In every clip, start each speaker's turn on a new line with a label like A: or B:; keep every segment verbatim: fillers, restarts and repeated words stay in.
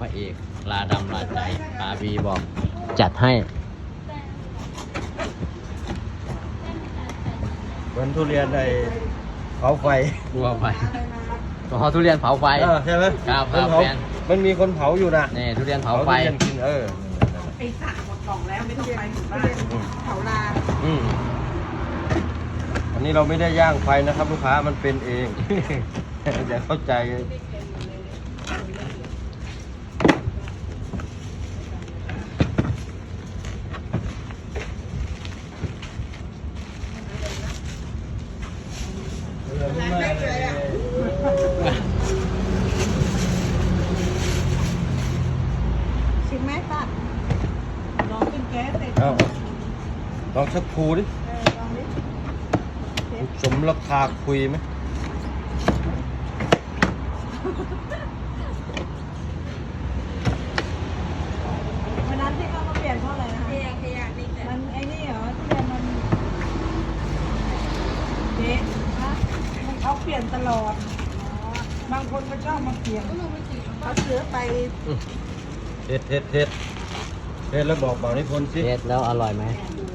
A: ระเอกลาดำลาใจปาบีบอกจัดให้
B: เหมือนทุเรียนในเผาไฟ
A: กลัวไฟอ๋อทุเรียนเผาไฟ
B: ใช่ไหม
A: ครับครับแมน
B: มันมีคนเผาอยู่นะ
A: นี่ทุเรียนเผาไฟ
B: กินเออ
C: ไอ้สระหมดกล่องแล้วไม่ต้องไปถึงบ้านเผาลา
B: อืมอันนี้เราไม่ได้ย่างไฟนะครับลูกค้ามันเป็นเอง อย่าเข้าใจ
C: ชิมไหมป้าลองเป็นแก๊สเลย
B: ลองสักครูดิสมราคาคุยไหม
C: วันนั้นที่เขามาเปลี่ยนเพราะอะไรนะขยะขยะนี่มันไอ้นี่เหรอที่เรียนมันเจ๊นะมันเขาเปลี่ยนตลอดบางคนก็ชอบมาเปลี่ยนเขาซื้อไป
B: เทสเทสเทสเทสแล้วบอกบอกนิพนธ์สิ
A: เทสแล้วอร่อยไหม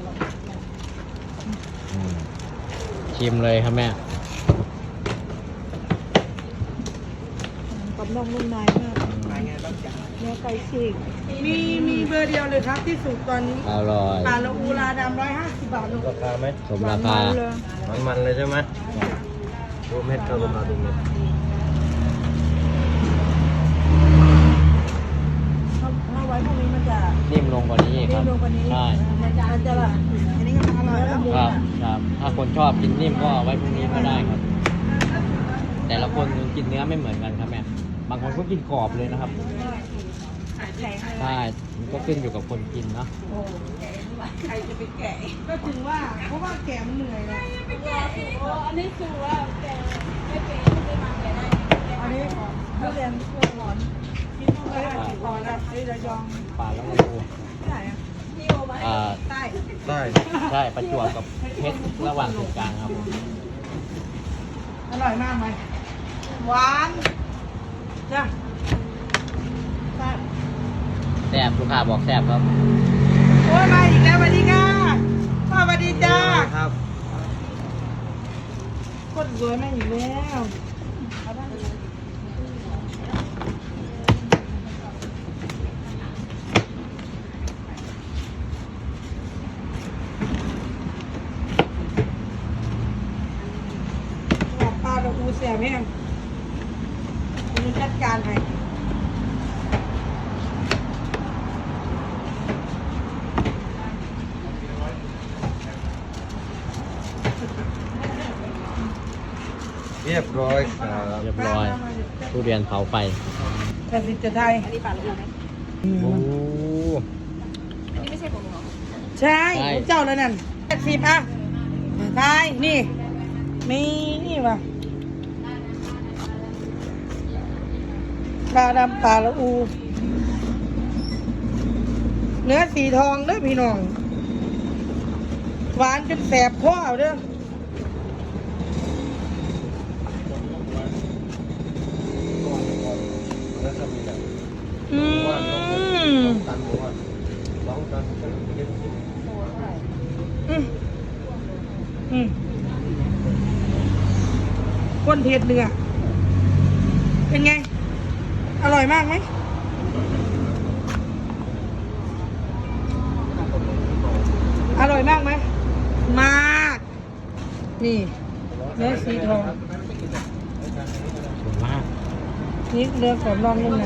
A: ชิมเลยครับแม่
C: กับน้องนุ่มนายมากเนื้อไก่ฉีกมีมีเบอร์เดียวเลยครับที่สุดตอนนี้
A: อร่อย
C: ปลาละอูลาดำร้อยห้าสิบบาทลูก
B: ราคาไหม
A: สมราคา
B: มันมันเลยใช่ไหมดูเม็ดก็ลงมาดูเม็ด
C: ถ้าไว้พวกนี้มันจะ
A: นิ่มลงกว่านี้ค
C: นิ่
A: รั
C: ม
A: บ
C: ลงกว่านี้
A: ใช่
C: มันจะมันจะแบบอันนี้ก็อร่อยแล้ว
A: ครับครับถ้าคนชอบกินนิ่มก็ไว้พรุ่งนี้ก็ได้ครับแต่ละคนกินเนื้อไม่เหมือนกันครับแม่บางคนก็กินกรอบเลยนะครับใช่มันก็ขึ้นอยู่กับคนกินเนาะ
C: ใครจะไปแกะก็ถึงว่าเพราะว่าแกะมันเหนื่อยเลยอันนี้คือว่าแกะไม่เป็นไม่มาแกะได้อันนี้ทุเรียนเพื่อหวานกินไม่ได้พอแล้วไอ้ระยอง
A: ปลาแล้วก็ปู
C: ที่ไหนอ่ะที่โอมาใต้
B: ใต้
A: ใช่ประจวบกับเพชรระหว่างตรงกลางครับ
C: อร่อยมากไหมหวานจ้ะ
A: แซ่บลูกค้าบอกแซ่บครับ
C: โอ้ยมาอีกแล้วสวัสดีค่ะพ่อสวัสดีจ้า
B: ครับ
C: คนสวยมาอีกแล้วปลาดอกอูเสียแม่งคุณจัดการให้
B: เรียบร้อยครับ
A: เรียบร้อยทุเรียนเผาไฟ
C: แผ่นดินจะไทยอันนี้ปลาลูกไหม
A: โอ้
C: อันนี้ไม่ใช่ของหนูใช่เจ้าแล้วนั่นแปดสิบอ่ะไทยนี่มีนี่ว่ะปลาดำปลาละอูเนื้อสีทองเด้อพี่น้องหวานจนแสบคอเอาเด้ออืมอืมอืมก้นเทศเนื้อเป็นไงอร่อยมากไหมอร่อยมากไหมมากนี่เนื้อสีทอง
A: มาก
C: นี่เนื้อขอบนอกนุ่มใน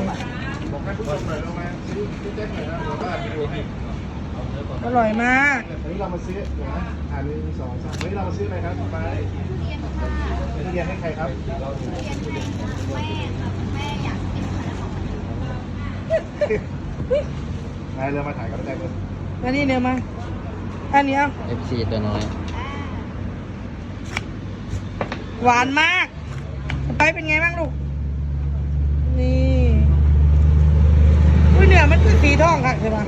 C: อร่อยมาก
D: วันนี้เรามาซื้อนะอ่านหนึ่งสองสามวันนี้เรามาซื้ออะไรครับไปเรียนให้ใครครับเรียนให้แม่ครับแม่อยากกินขนมนายเรือมาถ่ายกับแจ็คเลย
C: อันนี้เนื้อมาอันนี้เอา
A: เอฟ ซี ตัวน้อย
C: หวานมากไปเป็นไงบ้างลูกนี่อุ้ยเนื้อมันคือสีทองค่ะใช่ปะ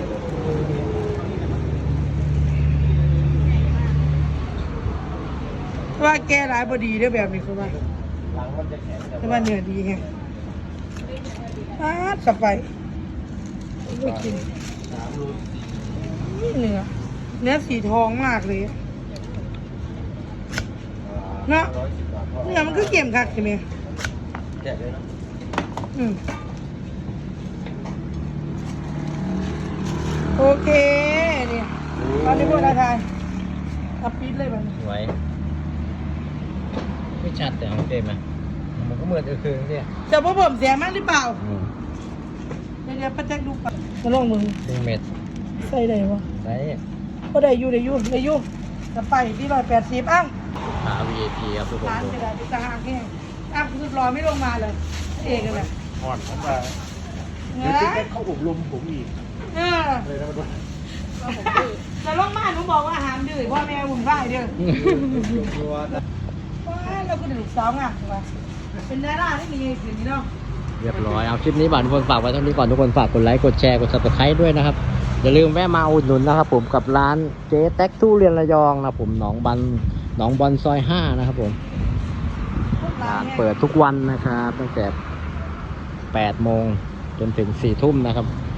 C: ว่าแกหลายบดีด้วยแบบนี้คือว่าแต่ว่าเนื้อดีไงอาสับไปไม่กินนี่เนื้อเนื้อสีทองมากเลยเนาะ
B: ร้อยสิบบาท
C: เนื้อมันก็เค็มคักใช่ไหม
B: แกะเลยนะ
C: อืมโอเคเนี่ยตอนนี้พวกเราทานอัพปิดเลยมัน
A: สวยไม่ชัดแต่โอเคไหมมันก็เหมือนเออคือเนี่ย
C: จะพ่อผมเสียมากหรือเปล่าเดี๋ยวเดี๋ยวป้าแจ็คดูก่อนมาลองมือ
A: ครึ่งเม็ด
C: ใส่ได้ปะ
A: ใช้
C: ก็ได้อยู่ได้อยู่ได้อยู่จะไปที่ร้อยแปดสิบอ้าว
A: ขา วี ไอ พี ครับทุกคน
C: ร้าน
A: ดู
C: จะได้ไปตาหางแห้งอ้าวคือรอไม่ลงมาเลย เอกกันเลย
D: อ่อนผมมา
C: เง
D: เดี๋ยวติ๊กได้เข้าอบรมผมอีก
C: เออ
D: เลยนะมันด้วย
C: จะลงมาหนูบอกว่าห้ามดื้อพ่อแม่วุ่นวายเด้อ
B: ตัวนะ
C: ว้าเราก็เด็กสาวงามว่ะเป็นดาราที่มีเงินถึงนี่เนาะ
A: เรียบร้อยเอาคลิปนี้บ่าวทุกคนฝากไว้เท่านี้ก่อนทุกคนฝากกดไลค์กดแชร์กด ซับสไครบ์ ด้วยนะครับอย่าลืมแวะมาอุดหนุนนะครับผมกับร้านเจ๊แท็กทุเรียนระยองนะผมหนองบันหนองบอลซอยห้านะครับผมร้านเปิดทุกวันนะครับตั้งแต่แปดโมงจนถึงสี่ทุ่มนะครับ